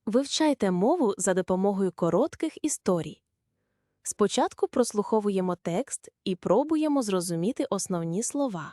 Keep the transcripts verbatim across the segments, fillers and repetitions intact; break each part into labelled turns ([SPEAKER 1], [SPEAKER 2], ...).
[SPEAKER 1] Вивчайте мову за допомогою коротких історій. Спочатку прослуховуємо текст і пробуємо зрозуміти основні слова.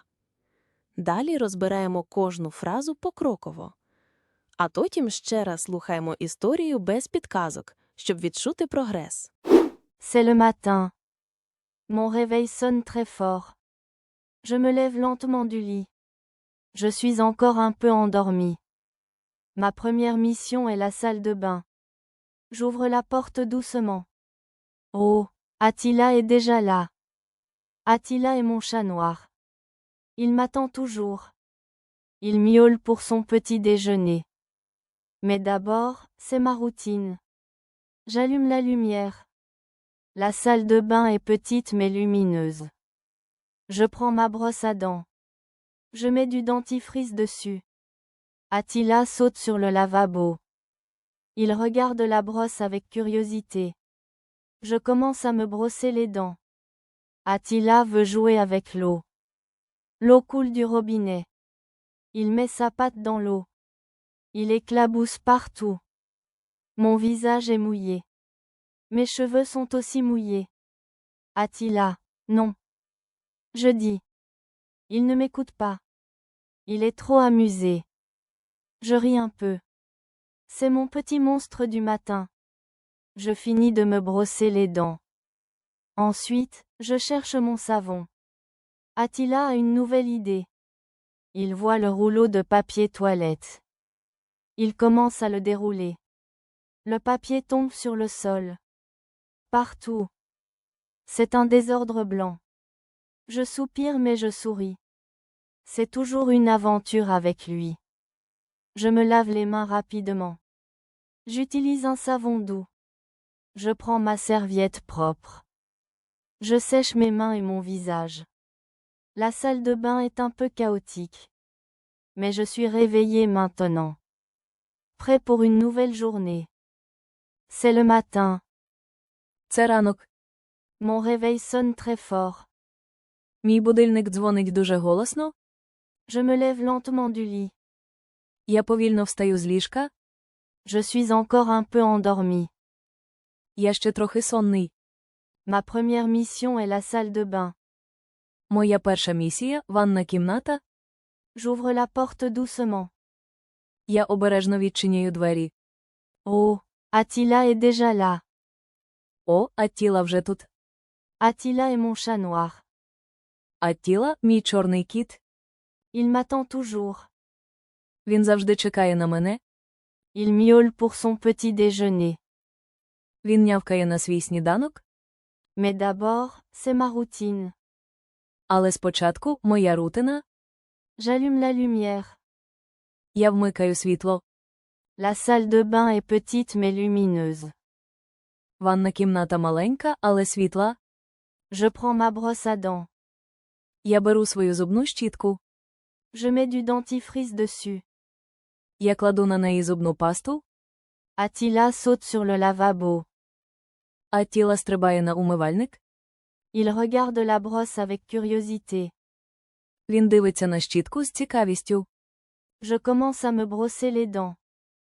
[SPEAKER 1] Далі розбираємо кожну фразу покроково. А потім ще раз слухаємо історію без підказок, щоб відчути прогрес.
[SPEAKER 2] C'est le matin. Mon réveil sonne très fort. Je me lève lentement du lit. Je suis encore un peu endormi. Ma première mission est la salle de bain. J'ouvre la porte doucement. Oh, Attila est déjà là. Attila est mon chat noir. Il m'attend toujours. Il miaule pour son petit déjeuner. Mais d'abord, c'est ma routine. J'allume la lumière. La salle de bain est petite mais lumineuse. Je prends ma brosse à dents. Je mets du dentifrice dessus. Attila saute sur le lavabo. Il regarde la brosse avec curiosité. Je commence à me brosser les dents. Attila veut jouer avec l'eau. L'eau coule du robinet. Il met sa patte dans l'eau. Il éclabousse partout. Mon visage est mouillé. Mes cheveux sont aussi mouillés. Attila, non. Je dis. Il ne m'écoute pas. Il est trop amusé. Je ris un peu. C'est mon petit monstre du matin. Je finis de me brosser les dents. Ensuite, je cherche mon savon. Attila a une nouvelle idée. Il voit le rouleau de papier toilette. Il commence à le dérouler. Le papier tombe sur le sol. Partout. C'est un désordre blanc. Je soupire mais je souris. C'est toujours une aventure avec lui. Je me lave les mains rapidement. J'utilise un savon doux. Je prends ma serviette propre. Je sèche mes mains et mon visage. La salle de bain est un peu chaotique. Mais je suis réveillé maintenant. Prêt pour une nouvelle journée. C'est le matin.
[SPEAKER 3] Це ранок.
[SPEAKER 2] Mon réveil sonne très fort.
[SPEAKER 3] Мій будильник дзвонить дуже голосно.
[SPEAKER 2] Je me lève lentement du lit.
[SPEAKER 3] Я повільно встаю з ліжка.
[SPEAKER 2] Je suis encore un peu endormi.
[SPEAKER 3] Я ще трохи сонний.
[SPEAKER 2] Ma première mission est la salle de bain.
[SPEAKER 3] Моя перша місія – ванна кімната.
[SPEAKER 2] J'ouvre la porte doucement.
[SPEAKER 3] Я обережно відчиняю двері.
[SPEAKER 2] Oh, Attila est déjà là.
[SPEAKER 3] О, Аттіла вже тут.
[SPEAKER 2] Attila est mon chat noir.
[SPEAKER 3] Аттіла – мій чорний кіт.
[SPEAKER 2] Il m'attend toujours.
[SPEAKER 3] Він завжди чекає на мене.
[SPEAKER 2] Il miaule pour son petit déjeuner.
[SPEAKER 3] Він нявкає на свій сніданок.
[SPEAKER 2] Mais d'abord, c'est ma routine.
[SPEAKER 3] Але спочатку – моя рутина.
[SPEAKER 2] J'allume la lumière.
[SPEAKER 3] Я вмикаю світло.
[SPEAKER 2] La salle de bain est petite mais lumineuse.
[SPEAKER 3] Ванна кімната маленька, але світла.
[SPEAKER 2] Je prends ma brosse à dents.
[SPEAKER 3] Я беру свою зубну щітку.
[SPEAKER 2] Je mets du dentifrice dessus.
[SPEAKER 3] Я кладу на неї зубну пасту.
[SPEAKER 2] Attila saute sur le lavabo.
[SPEAKER 3] Аттіла стрибає на умивальник.
[SPEAKER 2] Il regarde la brosse avec curiosité.
[SPEAKER 3] Він дивиться на щітку з цікавістю.
[SPEAKER 2] Je commence à me brosser les dents.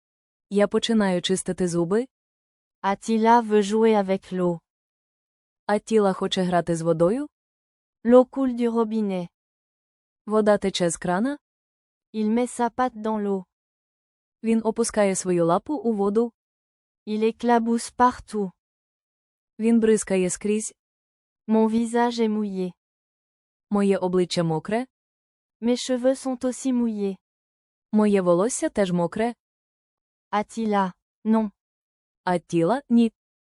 [SPEAKER 3] Я починаю чистити зуби.
[SPEAKER 2] Attila veut jouer avec l'eau.
[SPEAKER 3] Аттіла хоче грати з водою.
[SPEAKER 2] L'eau coule du robinet.
[SPEAKER 3] Вода тече з крана.
[SPEAKER 2] Il met sa patte dans l'eau.
[SPEAKER 3] Він опускає свою лапу у воду.
[SPEAKER 2] Il éclabousse partout.
[SPEAKER 3] Він бризкає скрізь.
[SPEAKER 2] Mon visage est mouillé.
[SPEAKER 3] Моє обличчя мокре.
[SPEAKER 2] Mes cheveux sont aussi mouillés.
[SPEAKER 3] Моє волосся теж мокре.
[SPEAKER 2] Attila, non.
[SPEAKER 3] Аттіла – ні.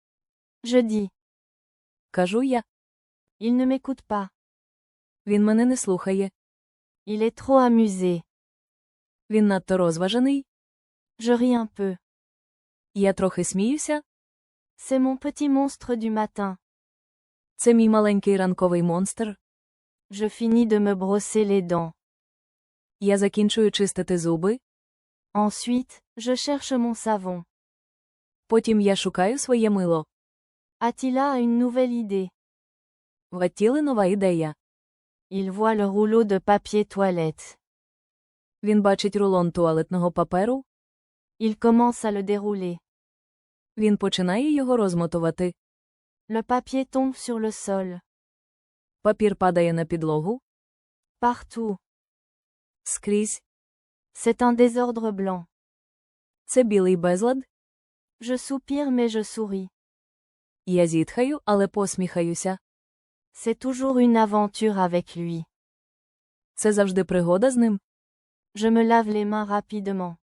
[SPEAKER 2] Je dis.
[SPEAKER 3] Кажу я.
[SPEAKER 2] Il ne m'écoute pas.
[SPEAKER 3] Він мене не слухає.
[SPEAKER 2] Il est trop amusé.
[SPEAKER 3] Він надто розважений.
[SPEAKER 2] Je ris un peu.
[SPEAKER 3] Я трохи сміюся.
[SPEAKER 2] C'est mon petit monstre du matin.
[SPEAKER 3] Це мій маленький ранковий монстр.
[SPEAKER 2] Je finis de me brosser les dents.
[SPEAKER 3] Я закінчую чистити зуби.
[SPEAKER 2] Ensuite, je cherche mon savon.
[SPEAKER 3] Потім я шукаю своє мило.
[SPEAKER 2] Attila a une nouvelle idée.
[SPEAKER 3] В Аттіли нова ідея.
[SPEAKER 2] Il voit le rouleau de papier toilette.
[SPEAKER 3] Він бачить рулон туалетного паперу.
[SPEAKER 2] Il commence à le dérouler.
[SPEAKER 3] Він починає його розмотувати.
[SPEAKER 2] Le papier tombe sur le sol.
[SPEAKER 3] Папір падає на підлогу.
[SPEAKER 2] Partout.
[SPEAKER 3] Скрізь.
[SPEAKER 2] C'est un désordre blanc.
[SPEAKER 3] Це білий безлад.
[SPEAKER 2] Je soupire mais je souris.
[SPEAKER 3] Я зітхаю, але посміхаюся.
[SPEAKER 2] C'est toujours une aventure avec lui.
[SPEAKER 3] Це завжди пригода з ним.
[SPEAKER 2] Je me lave les mains rapidement.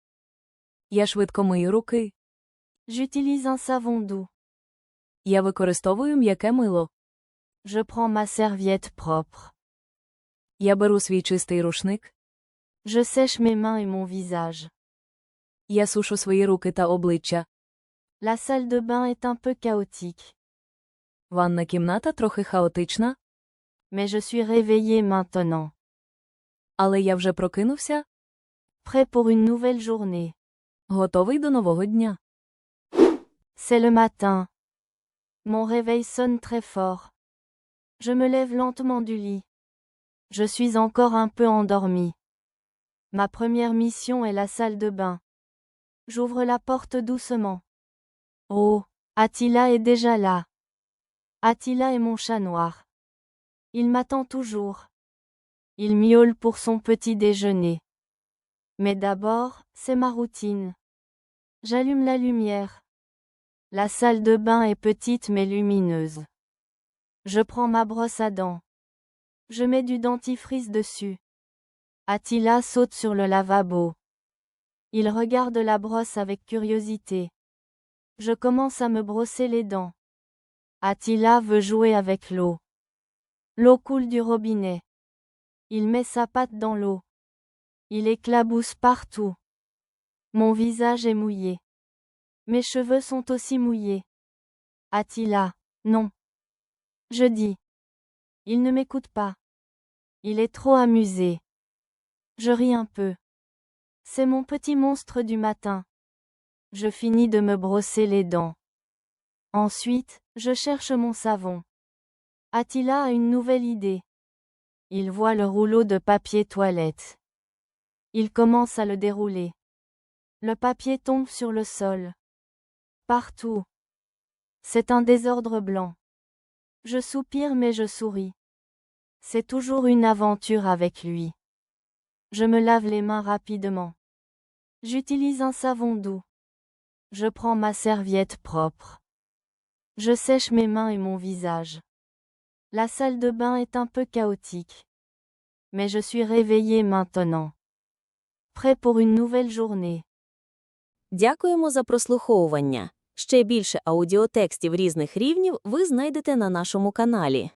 [SPEAKER 3] Я швидко мию руки.
[SPEAKER 2] J'utilise un savon doux.
[SPEAKER 3] Я використовую м'яке мило.
[SPEAKER 2] Je prends ma serviette propre.
[SPEAKER 3] Я беру свій чистий рушник.
[SPEAKER 2] Je sèche mes mains et mon visage.
[SPEAKER 3] Я сушу свої руки та обличчя.
[SPEAKER 2] La salle de bain est un peu chaotique.
[SPEAKER 3] Ванна кімната трохи хаотична,
[SPEAKER 2] Mais je suis réveillé maintenant.
[SPEAKER 3] але я вже прокинувся,
[SPEAKER 2] Prêt pour une nouvelle journée.
[SPEAKER 3] готовий до нового дня.
[SPEAKER 2] C'est le matin. Mon réveil sonne très fort. Je me lève lentement du lit. Je suis encore un peu endormi. Ma première mission est la salle de bain. J'ouvre la porte doucement. Oh, Attila est déjà là. Attila est mon chat noir. Il m'attend toujours. Il miaule pour son petit déjeuner. Mais d'abord, c'est ma routine. J'allume la lumière. La salle de bain est petite mais lumineuse. Je prends ma brosse à dents. Je mets du dentifrice dessus. Attila saute sur le lavabo. Il regarde la brosse avec curiosité. Je commence à me brosser les dents. Attila veut jouer avec l'eau. L'eau coule du robinet. Il met sa patte dans l'eau. Il éclabousse partout. Mon visage est mouillé. Mes cheveux sont aussi mouillés. Attila, non. Je dis. Il ne m'écoute pas. Il est trop amusé. Je ris un peu. C'est mon petit monstre du matin. Je finis de me brosser les dents. Ensuite, je cherche mon savon. Attila a une nouvelle idée. Il voit le rouleau de papier toilette. Il commence à le dérouler. Le papier tombe sur le sol. Partout. C'est un désordre blanc. Je soupire mais je souris. C'est toujours une aventure avec lui. Je me lave les mains rapidement. J'utilise un savon doux. Je prends ma serviette propre. Je sèche mes mains et mon visage. La salle de bain est un peu chaotique. Mais je suis réveillé maintenant. Prêt pour une nouvelle journée.
[SPEAKER 1] Дякуємо за прослуховування. Ще більше аудіотекстів різних рівнів ви знайдете на нашому каналі.